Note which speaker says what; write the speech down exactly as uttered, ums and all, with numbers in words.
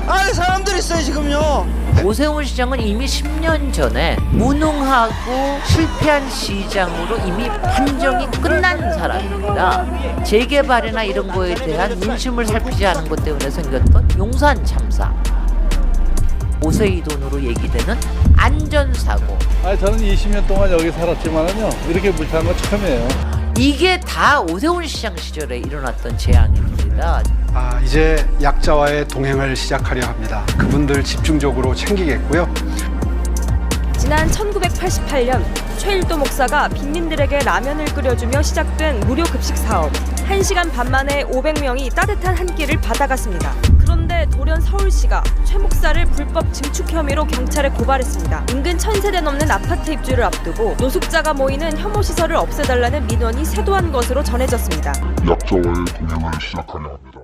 Speaker 1: 안에 사람들이 있어요 지금요.
Speaker 2: 오세훈 시장은 이미 십 년 전에 무능하고 실패한 시장으로 이미 판정이 끝난 사람입니다. 재개발이나 이런 거에 대한 민심을 살피지 않은 것 때문에 생겼던 용산 참사, 오세희 돈으로 얘기되는 안전사고,
Speaker 3: 아니 저는 이십 년 동안 여기 살았지만은요 이렇게 불타는 건 처음이에요.
Speaker 2: 이게 다 오세훈 시장 시절에 일어났던 재앙입니다.
Speaker 4: 아, 이제 약자와의 동행을 시작하려 합니다. 그분들 집중적으로 챙기겠고요.
Speaker 5: 지난 천구백팔십팔 년 최일도 목사가 빈민들에게 라면을 끓여주며 시작된 무료 급식 사업. 한 시간 반 만에 오백 명이 따뜻한 한 끼를 받아갔습니다. 그런데 돌연 서울시가 최 목사를 불법 증축 혐의로 경찰에 고발했습니다. 인근 천 세대 넘는 아파트 입주를 앞두고 노숙자가 모이는 혐오 시설을 없애달라는 민원이 세도한 것으로 전해졌습니다.
Speaker 6: 약자와의 동행을 시작하려 합니다.